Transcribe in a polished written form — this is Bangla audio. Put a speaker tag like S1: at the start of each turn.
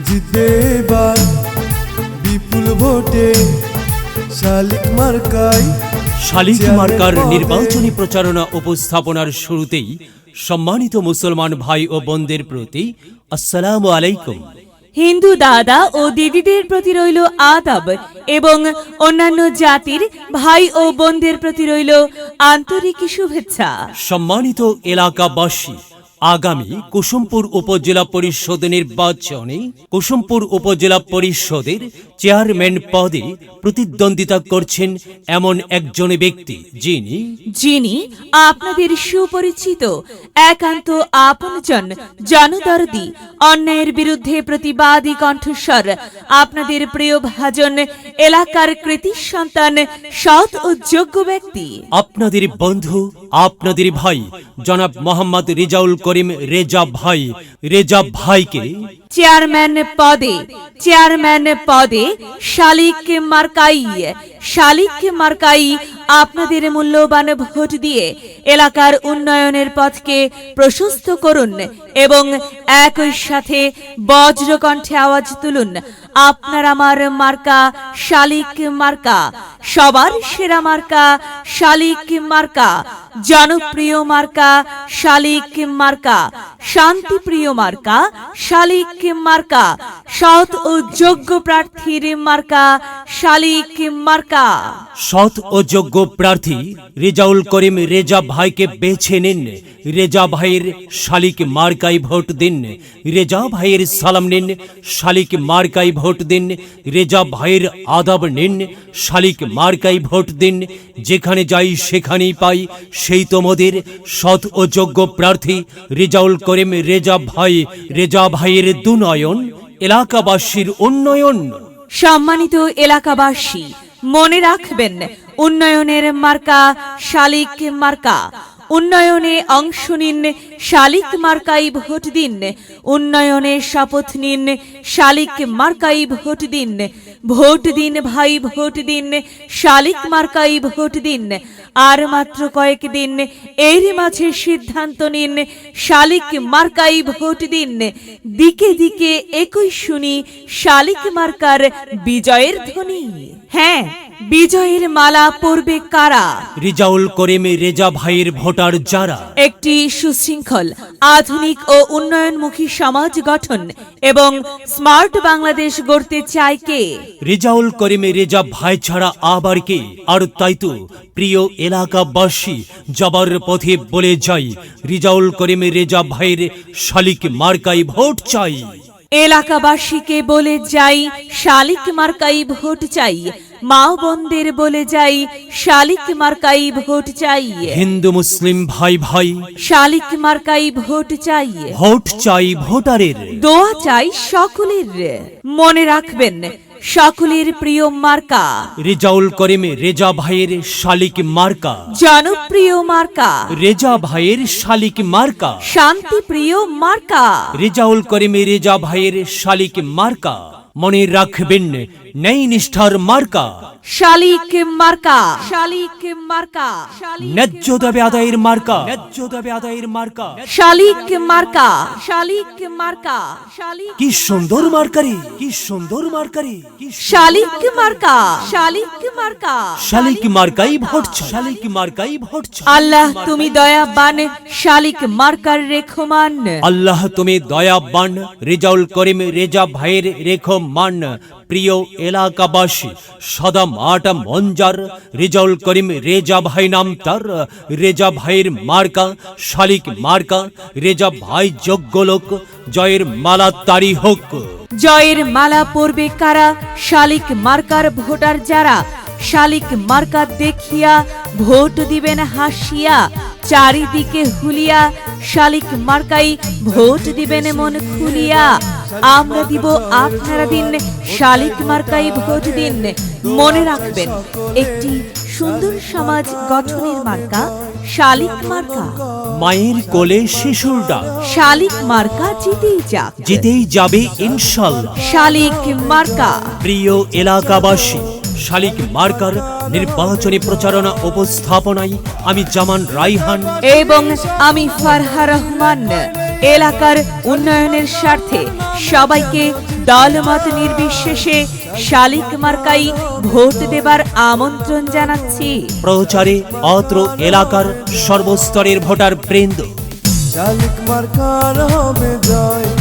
S1: জিতবে এবার বিপুল ভোটে শালিক মার্কাই।
S2: শালিক মার্কার নির্বাচনী প্রচারণা উপস্থাপনার শুরুতেই সম্মানিত মুসলমান ভাই ও বোনদের প্রতি আসসালামু আলাইকুম।
S3: হিন্দু দাদা ও দিদিদের প্রতি রইল আদাব এবং অন্যান্য জাতির ভাই ও বোনদের প্রতি রইল আন্তরিক শুভেচ্ছা।
S2: সম্মানিত এলাকাবাসী, আগামী কুসুমপুর উপজেলা পরিষদ নির্বাচনে কুসুমপুর উপজেলা পরিষদের চেয়ারম্যান পদে প্রতিদ্বন্দ্বিতা করছেন এমন একজন ব্যক্তি যিনি
S3: আপনাদের সুপরিচিত, একান্ত আপনজন, জনদরদি, অন্যায়ের বিরুদ্ধে প্রতিবাদী কণ্ঠস্বর, আপনাদের প্রিয় ভাজন, এলাকার কৃতি সন্তান, সৎ ও যোগ্য ব্যক্তি,
S2: আপনাদের বন্ধু, আপনাদের ভাই জনাব মোহাম্মদ রেজাউল করিম রেজা ভাইকে
S3: চেয়ারম্যান পদে শালিক মার্কাই আপনাদের মূল্যবান ভোট দিয়ে এলাকার উন্নয়নের পথকে প্রশস্ত করুন এবং একই সাথে বজ্রকণ্ঠে আওয়াজ তুলুন, আপনার আমার মার্কা শালিক মার্কা, সবার সেরা মার্কা শালিক মার্কা, জনপ্রিয় মার্কা শালিক মার্কা, শান্তিপ্রিয় মার্কা শালিক মার্কা, সৎ ও যোগ্য প্রার্থীর মার্কা শালিক মার্কা।
S2: সৎ ও যোগ্য প্রার্থী রেজাউল করিম রেজা ভাইকে বেছে নিন। রেজা ভাইয়ের শালিক মার্কাই ভোট দিন। রেজা ভাইয়ের সালাম নিন, শালিক মার্কাই ভোট দিন। রেজা ভাইয়ের আদাব নিন, শালিক মার্কাই ভোট দিন। যেখানে যাই সেখানেই পাই সেই তোমাদের সৎ ও যোগ্য প্রার্থী রেজাউল করিম রেজা ভাইয়ের দুনয়ন, এলাকাবাসীর উন্নয়ন।
S3: সম্মানিত এলাকাবাসী, মনে রাখবেন, উন্নয়নের মার্কা শালিক মার্কা। উন্নয়নে অংশ নিন, শালিক মার্কাই ভোট দিন। উন্নয়নে শপথ নিন, শালিক মার্কাই ভোট দিন। ভোট দিন ভাই, ভোট দিন, শালিক মার্কাই ভোট দিন। আর মাত্র কয়েকদিন, এর মাঝে সিদ্ধান্ত নিন, শালিক মার্কাই ভোট দিন। দিকে দিকে একই শুনি শালিক মার্কার বিজয়ের ধ্বনি। হ্যাঁ, বিজয়ের মালা পরবে কারা?
S2: রেজাউল করিম রেজা ভাইয়ের ভোটার যারা
S3: একটি সুশৃঙ্খল, আধুনিক ও উন্নয়নমুখী সমাজ গঠন এবং স্মার্ট বাংলাদেশ গড়তে চায় কে?
S2: রেজাউল করিম রেজা ভাই ছাড়া আবার কে? আর তাই তো প্রিয় এলাকাবাসী, যাবার পথে বলে যাই, রেজাউল করিম রেজা ভাইয়ের শালিক মার্কাই ভোট চাই।
S3: এলাকাবাসীকে বলে যাই, শালিক মার্কাই ভোট চাই। মা বোনদের বলে যাই, শালিক মার্কাই ভোট চাই।
S2: হিন্দু মুসলিম ভাই
S3: শালিক মার্কাই ভোট চাই।
S2: ভোট চাই ভোটারের,
S3: দোয়া চাই সকলের। মনে রাখবেন, সকলের প্রিয় মার্কা
S2: রেজাউল করিম রেজা ভাইয়ের শালিক মার্কা,
S3: জনপ্রিয় মার্কা
S2: রেজা ভাইয়ের শালিক মার্কা,
S3: শান্তিপ্রিয় মার্কা
S2: রেজাউল করিম রেজা ভাইয়ের শালিক মার্কা। মনে রাখবেন, ন্যায় নিষ্ঠার মার্কা
S3: শালিক মার্কা।
S2: ন্যায্য দাবি আদায়ের মার্কা
S3: শালিক মার্কা।
S2: কি সুন্দর মার্কারি,
S3: শালিক মার্কা।
S2: শালিক মার্কাই ভোট চাই।
S3: আল্লাহ তুমি দয়াবান, শালিক মার্কার রেখমান।
S2: আল্লাহ তুমি দয়াবান, রেজাউল করিম রেজা ভাইয়ের রেখমান। প্রিয় এলাকাবাসী, সদা মাটা মঞ্জার রেজাউল করিম রেজা ভাই নাম তার। রেজা ভাইয়ের মার্কা শালিক মার্কা। রেজা ভাই যোগ্য লোক, জয়ের মালা তারি হোক।
S3: জয়ের মালা পরবে কারা? শালিক মার্কার ভোটার যারা। শালিক মার্কা দেখিয়া ভোট দিবেন হাসিয়া, চারিদিকে হুলিয়া শালিক মার্কাই ভোট দিবেন মন খুলিয়া। আমরা দিব, আপনারা দিন, শালিক মার্কাই ভোট দিন। মনে রাখবেন, একটি সুন্দর সমাজ গঠনের মার্কা শালিক মার্কা।
S2: মায়ের কোলে শিশুর ডাক,
S3: শালিক মার্কা জিতেই
S2: যাবে ইনশাল্লাহ।
S3: শালিক মার্কা।
S2: প্রিয় এলাকাবাসী, শালিক মার্কার নির্বাচনী প্রচারণা উপস্থাপনায় আমি জামান রাইহান
S3: এবং আমি ফারহা রহমান। এলাকার উন্নয়নের স্বার্থে সবাইকে দলমত নির্বিশেষে শালিক মার্কাই ভোট দেবার আমন্ত্রণ জানাচ্ছি।
S2: প্রচারে অত্র এলাকার সর্বস্তরের ভোটার বৃন্দ।
S1: শালিক মার্কার হবে জয়,